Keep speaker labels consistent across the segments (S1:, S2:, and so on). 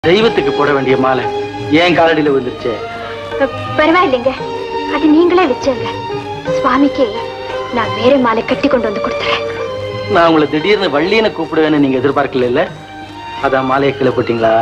S1: தெய்வத்துக்கு போட வேண்டிய மாலை ஏன் காலடியில வந்துருச்சு?
S2: பரவாயில்லைங்க, அது நீங்களே வச்சங்க. சுவாமிக்கு நான் வேற மாலை கட்டி கொண்டு வந்து கொடுத்துறேன்.
S1: நான் உங்களை திடீர்னு வள்ளியனை கூப்பிடுவேன்னு நீங்க எதிர்பார்க்கல இல்ல? அதான் மாலையை கீழே போட்டீங்களா?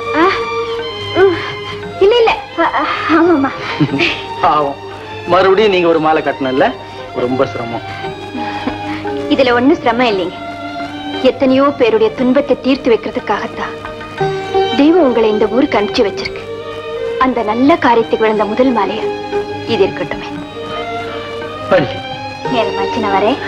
S2: இல்ல இல்ல, ஆமாமா.
S1: பாவம், மறுபடியும் நீங்க ஒரு மாலை கட்டணும்ல, ரொம்ப சிரமம்.
S2: இதுல ஒண்ணும் சிரமம் இல்லைங்க. எத்தனையோ பேருடைய துன்பத்தை தீர்த்து வைக்கிறதுக்காகத்தான் தெய்வம் உங்களை இந்த ஊருக்கு அனுப்பிச்சு வச்சிருக்கு. அந்த நல்ல காரியத்துக்கு விழுந்த முதல் மாலையா இது இருக்கட்டுமே. நேரமாச்சு, நான் வரேன்.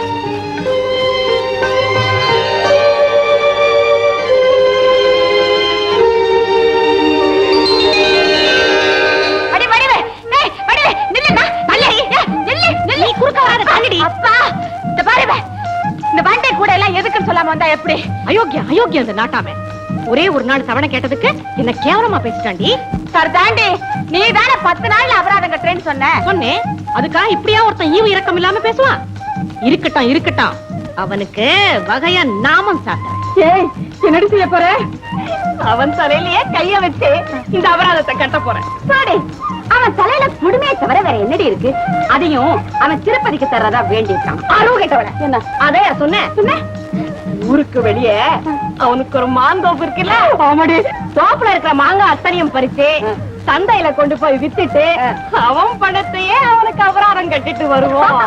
S3: எப்படி அயோக்கியம் அயோக்கியம் இந்த நாட்டாம ஒரே ஒரு நாள் தவணை கேட்டதுக்கு என்ன கேவலமா பேசிட்டாண்டி.
S4: சர்தாண்டி, நீ தானே 10 நாள்ல அபராதம் கட்டுறேன்னு
S3: சொன்னேன். அதுக்காக இப்படியா ஒருத்தன் ஈவு இரக்கம் இல்லாம பேசுவான்? இருக்கட்டும் இருக்கட்டும், அவனுக்கு வகையா நாமம் சாட்டேன்.
S4: என்னடி செய்ய போற? அவன் தலையிலேயே கைய வச்சு இந்த அபராதத்தை கட்ட போறேன். அவன் தலையில குடுமையை தவிர வேற என்னடி இருக்கு? அதையும் அவன் திருப்பதிக்கு தர்றதா வேண்டியிருக்கான். கேட்டவன என்ன அதே சொன்ன? ஊருக்கு வெளியே அவனுக்கு ஒரு மாந்தோப்பு இருக்குல்ல, அவனுடைய தோப்புல இருக்கிற மாங்காய் அத்தனையும் பறிச்சு சந்தையில கொண்டு போய் வித்துட்டு அவன் பணத்தையே அவனுக்கு அபராதம் கட்டிட்டு வருவோம்.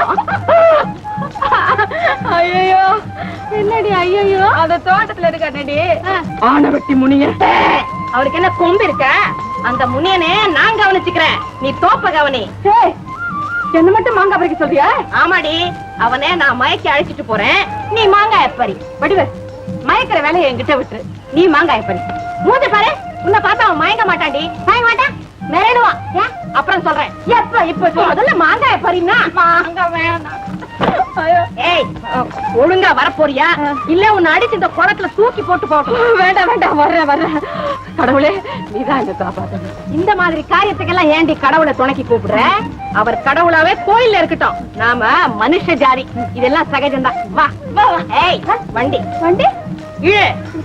S4: ஐயோ என்னடி? ஐயோ, அந்த தோட்டத்துல இருக்காடி ஆனவட்டி முனியன். அவருக்கு என்ன கொம்பு இருக்க? அந்த முனியனே நான் கவனிச்சுக்கிறேன், நீ தோப்ப கவனி. என்ன மட்டும் மாங்காய் பறிக்க சொல்றியா? ஆமாடி, அவனே நான் மயக்கி அழைச்சிட்டு போறேன், நீ மாங்காய் பறி. வடிவ மயக்கிற வேலையை என்கிட்ட விட்டுரு, நீ மாங்காய் பறி. மூஞ்ச பாரு, உன்னை பார்த்தா அவன் மயங்க மாட்டான்டி. மயங்க மாட்டான், மிரடுவான். அப்புறம் சொல்றேன். இப்ப முதல்ல மாங்காய் பறினா. மாங்காய் வேணாம். ஏய், ஒழுங்கா வரப்போறியா இல்ல உன்னை அடிச்சு இந்த குளத்துல தூக்கி போட்டு போட்டோம்? வேண்டாம் வேண்டாம், வர்றேன். கடவுளே, நீதான் என்ன காப்பாத்தணும். இந்த மாதிரி காரியத்துக்கெல்லாம் ஏண்டி கடவுளை துணைக்கி கூப்பிடுற? அவர் கடவுளாவே கோயில்ல இருக்கட்டும், நாம மனுஷ ஜாதி, இதெல்லாம் சகஜம்தான். வா வா. ஏய், வண்டி வண்டி இழு.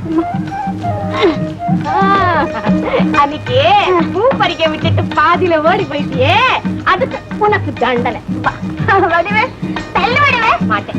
S4: அன்னைக்கு பூ பறிக்க விட்டுட்டு பாதியில ஓடி போயிட்டியே, அதுக்கு உனக்கு தண்டனை. வடிவே தள்ளு, வடிவே மாட்டேன்.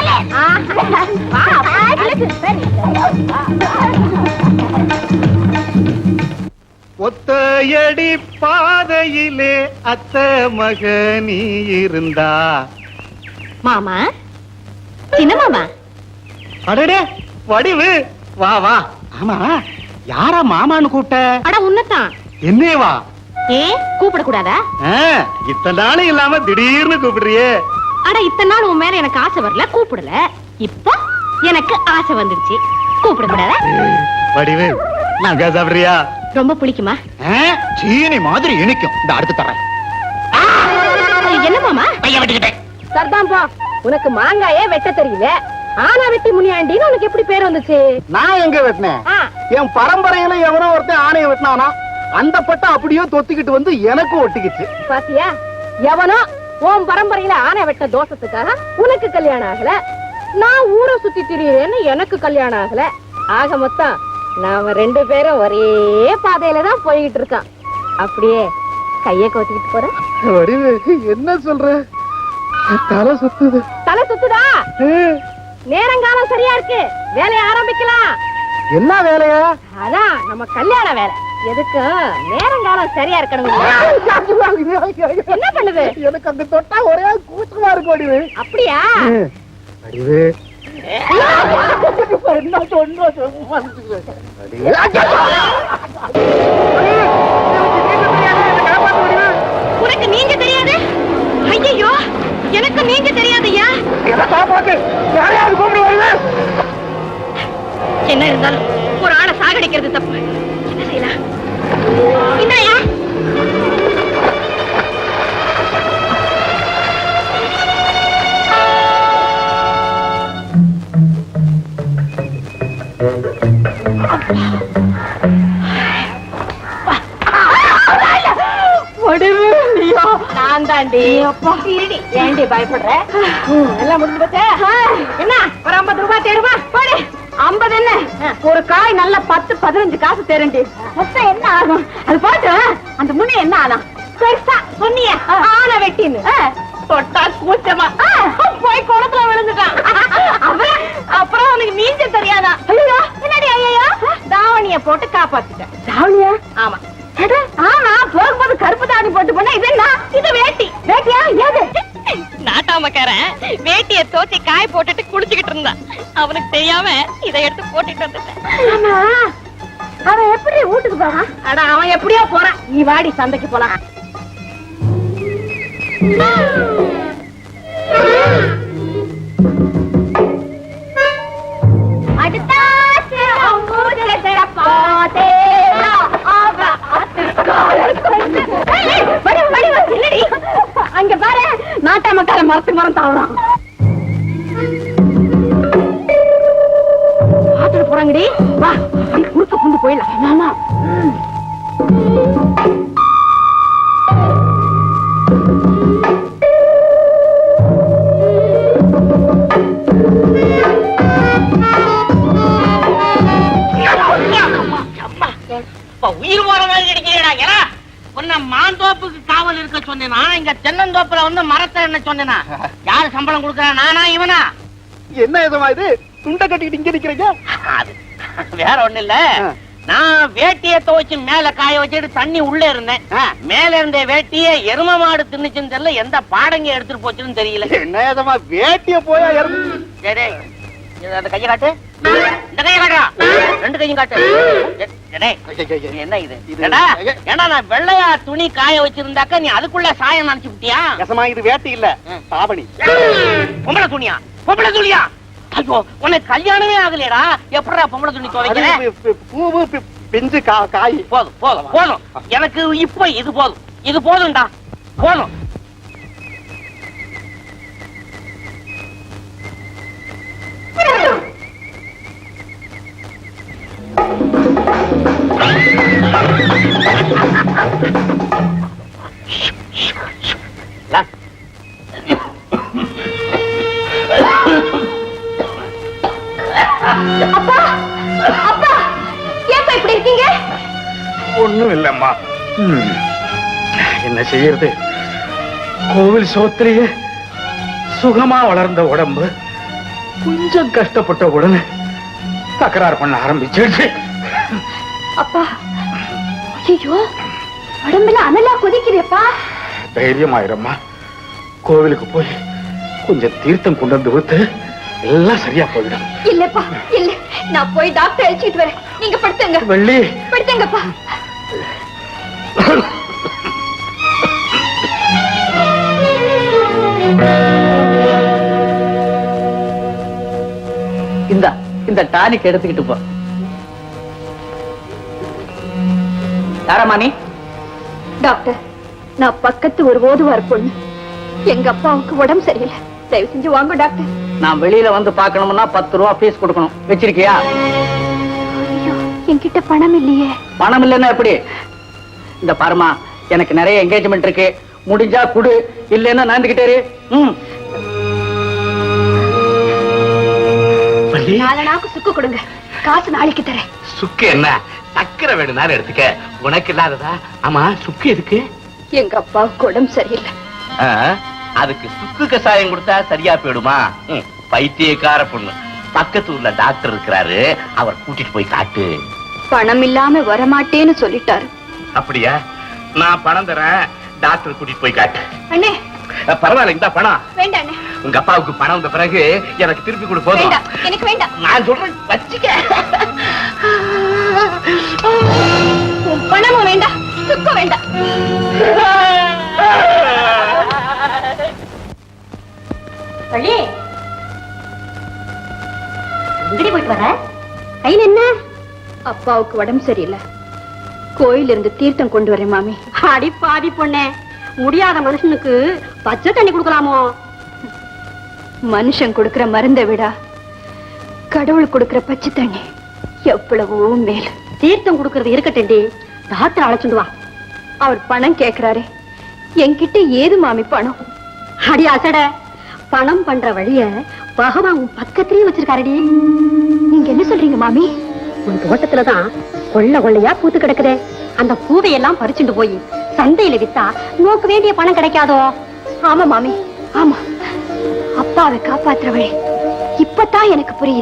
S5: ஒத்தையடி பாதையிலே அத்த மகனி இருந்தா.
S3: மாமா, சின்ன மாமா.
S5: அடடே வடிவு, வா வா. ஆமா, யாரா மாமான்னு கூப்பிட்ட?
S3: அட உன்னதான்.
S5: என்னேவா?
S3: கூப்பிட கூடாதா?
S5: இத்தனை நாளும் இல்லாம திடீர்னு கூப்பிடுறியே.
S3: அட இத்தனை நாள் உன் மேல எனக்கு ஆசை வரல, கூப்பிடல. இப்போ எனக்கு ஆசை வந்துடுச்சு, கூப்பிட கூடாதா?
S5: வடிவு, நான் சாப்பிடுறியா?
S3: ரொம்ப பிடிக்குமா?
S5: சீனி மாதிரி இனிக்கும். இந்த அடுத்து தரேன்.
S3: என்ன மாமா?
S4: சர்தான் போ, உனக்கு மாங்காயே வெட்ட தெரியல. ஆனா வெட்டி முனியாண்டின்னு உனக்கு எப்படி பேர் வந்துச்சு?
S5: நான் எங்க வெட்டினேன்? என் பரம்பரையில எவனோ ஒருத்தன் ஆணைய வெட்டினானா, அந்த பட்டை அப்படியே தொத்திக்கிட்டு வந்து எனக்கும் ஒட்டிக்கிச்சு.
S4: பாத்தியா, எவனோ உன் பரம்பரையில ஆணை வெட்ட தோஷத்துக்காக உனக்கு கல்யாணம் ஆகல, நான் ஊரை சுத்தி திரியுறேன்னு எனக்கு கல்யாணம் ஆகல. ஆக மொத்தம் நாம 2 பேரும் ஒரே பாதையில தான் போய்கிட்டு இருக்கான். அப்படியே கைய கோத்திக்கிட்டு போற.
S5: என்ன சொல்ற? தலை சுத்துது.
S4: தலை சுத்துதா? நேரங்காலம் சரியா இருக்கு, வேலையை ஆரம்பிக்கலாம்.
S5: என்ன வேலையா?
S4: அதான் நம்ம கல்யாண வேலை. எதுக்கு நேரங்காலம் சரியா இருக்கணும். என்ன பண்ணுது?
S5: எனக்கு அங்க தொட்டா ஒரே கூச்சமா இருக்கு. வடிவு
S4: அப்படியா?
S5: வடிவு என்ன சொன்ன?
S3: உனக்கு நீங்க தெரியாது? ஐயோ, எனக்கு நீங்க தெரியாதையா? என்ன இருந்தாலும் ஒரு ஆளை சாகடிக்கிறது தப்பு. என்ன செய்யலாம்? என்னையா?
S4: நான் தாண்டி. ஏண்டி பயப்படுற? எல்லாம் முடிஞ்சு போச்சே. என்ன ஒரு 50 ரூபாய் தேடுமா? போடு. 50 என்ன ஒரு காய் நல்லா 10-15 காசு தரண்டி. மொத்தம் என்ன ஆகும்? அது போட்டு அந்த முனை என்ன ஆகும்? பெருசா சொன்னிய ஆனை வெட்டின்னு தொட்டா கூச்சமா போய் குளத்துல விழுந்துட்டான். அப்புறம் அவனுக்கு நீஞ்ச தெரியாதா? ஐயோ என்னடி ஐயோ, தாவணிய போட்டு காப்பாத்திட்டேன். தாவணியா? ஆமா. ஆமா, போகும்போது கருப்பு தாவணி போட்டு போனா இது என்ன? இது வேட்டி. வேட்டியா? ஏது நாட்டாமக்காரன் வேட்டிய தோச்சி காய போட்டுட்டு குளிச்சுக்கிட்டு இருந்தான். அவனுக்கு தெரியாம இதை எடுத்து போட்டுட்டு வந்துட்டேன். அவன் எப்படி வீட்டுக்கு போறான்? அட அவன் எப்படியோ போறான். நீ வாடி சந்தைக்கு போலாம். அங்க பாரு, நாட்டாமக்கார மரத்துக்கு மரம் தாவறான். ஆத்துல போறாங்கடி. வா, குறுக்க புந்து போயிடலாம். மாமா
S6: உயிர் போற மாதிரி கிடைக்கிறா. உன்ன மாந்தோப்புக்கு காவல் இருக்க சொன்னா, இங்க தென்னந்தோப்புல வந்து மரத்தை என்ன சொன்னா? யாரு சம்பளம் கொடுக்கறா, நானா இவனா?
S5: என்ன இதமா இது? துண்டை கட்டிக்கிட்டு இங்க நிக்கிறீங்க?
S6: அது வேற ஒண்ணு இல்ல. நான் வேட்டிய துவைச்சு மேல காய வச்சுட்டு தண்ணி உள்ள இருந்தேன். மேல இருந்த வேட்டிய எரும மாடு தின்னுச்சுன்னு தெரியல, எந்த பாடங்க எடுத்துட்டு போச்சுன்னு தெரியல.
S5: என்ன இதமா வேட்டிய போயா
S6: அந்த கையை காட்டு, இந்த கையை காட்டுறா, ரெண்டு கையும் காட்டு. என்ன இது? ஏன்னா நான் வெள்ளையா துணி காய வச்சிருந்தாக்க நீ அதுக்குள்ள சாயம் நினைச்சு விட்டியா?
S5: இது வேட்டி இல்ல, தாவணி.
S6: பொம்பளை துணியா? பொம்பளை துணியா? ஐயோ, உனக்கு கல்யாணமே ஆகலையடா, எப்படா பொம்பளை துணி துவைக்கிற?
S5: பூவு பிஞ்சு காய்.
S6: போதும் போதும் போதும், எனக்கு இப்ப இது போதும், இது போதும்டா, போதும்.
S2: அப்பா, அப்பா, ஏப்பா இப்படி இருக்கீங்க?
S7: ஒண்ணும் இல்லம்மா. என்ன செய்யறது? கோவில் சோத்திரியே சுகமா வளர்ந்த உடம்பு கொஞ்சம் கஷ்டப்பட்ட உடனே தகராறு பண்ண ஆரம்பிச்சிருச்சு.
S2: அப்பா, ஐயோ, உடம்புல அனலா கொதிக்கிறேப்பா.
S7: தைரியமாயிரம்மா. கோவிலுக்கு போய் கொஞ்சம் தீர்த்தம் கொண்டு வந்து ஊத்து, எல்லாம் சரியா போயிடும்.
S2: இல்லப்பா, இல்ல, நான் போய் டாக்டர் அழைச்சிட்டு வரேன். நீங்க படுத்துங்க.
S7: வெள்ளி,
S2: படுத்துங்கப்பா.
S1: இந்த டானிக் எடுத்துக்கிட்டு போ. யாரம்மா நீ?
S2: டாக்டர், நான் பக்கத்து ஒரு ஓதுவார் பொண்ணு. எங்க அப்பாவுக்கு உடம்பு சரியில்லை. தயவு செஞ்சு வாங்க டாக்டர்.
S1: நான் வெளியில வந்து பார்க்கணும்னா 10 ரூபா ஃபீஸ் கொடுக்கணும். வச்சிருக்கியா?
S2: ஐயோ, என்கிட்ட பணம் இல்லையே.
S1: பணம் இல்லைன்னா எப்படி? இந்த பாருமா, எனக்கு நிறைய என்கேஜ்மெண்ட் இருக்கு. முடிஞ்சா குடு, இல்லைன்னா நாந்துகிட்டே இரு.
S2: நாலனாக்கு சுக்கு கொடுங்க, காசு நாளைக்கு தரேன்.
S7: சுக்கு என்ன? சக்கரை வேணும்னாலும் எடுத்துக்க, உனக்கு இல்லாததா? ஆமா, சுக்கு எதுக்கு?
S2: எங்க அப்பாவுக்கு உடம்பு சரியில்லை.
S7: அதுக்கு சுக்கு கசாயம் கொடுத்தா சரியா போயிடுமா? பைத்தியக்கார பொண்ணு. பக்கத்து ஊர்ல டாக்டர் இருக்கிறாரு, அவர் கூட்டிட்டு போய் காட்டு.
S2: பணம் இல்லாம வரமாட்டேன்னு சொல்லிட்டாரு.
S7: அப்படியா? நான் பணம் தரேன், டாக்டர் கூட்டிட்டு போய் காட்டு.
S2: அண்ணே,
S7: பரவாயில்ல, இந்த பணம்
S2: வேண்டாம் அண்ணே.
S7: உங்க அப்பாவுக்கு பணம் வந்த பிறகு எனக்கு திருப்பி கொடு. போதும்.
S2: வேண்டாம், எனக்கு வேண்டாம்.
S7: நான் சொல்றேன், வச்சுக்க.
S2: பணமும் வேண்டாம், சுக்கும் வேண்டாம்.
S4: வள்ளி, எங்கடி போயிட்டு வர? கையில் என்ன?
S2: அப்பாவுக்கு உடம்பு சரியில்லை, கோயில இருந்து தீர்த்தம் கொண்டு வரேன் மாமி.
S4: அடி பாதி பொண்ணே, முடியாத மனுஷனுக்கு பச்சை தண்ணி கொடுக்கலாமோ?
S2: மனுஷன் கொடுக்கிற மருந்தை விட கடவுள் கொடுக்கிற பச்சை தண்ணி எவ்வளவோ மேல.
S4: தீர்த்தம் கொடுக்கறது இருக்கட்டேண்டி, டாக்டர் அழைச்சுட்டு வா.
S2: அவர் பணம் கேட்கிறாரே, என்கிட்ட ஏது மாமி பணம்?
S4: அடி அசட, பணம் பண்ற வழிய
S2: பகவான் உன் பக்கத்திலேயே வச்சிருக்காரடி. நீங்க என்ன சொல்றீங்க மாமி?
S3: உன் தோட்டத்துலதான் கொள்ள கொள்ளையா பூத்து கிடக்குதே. அந்த பூவையெல்லாம் பறிச்சுட்டு போய் சந்தையில வித்தா நோக்கு வேண்டிய பணம் கிடைக்காதோ?
S2: ஆமா மாமி, ஆமா. அப்பாவை காப்பாத்துற வழி இப்பதான் எனக்கு புரியுது.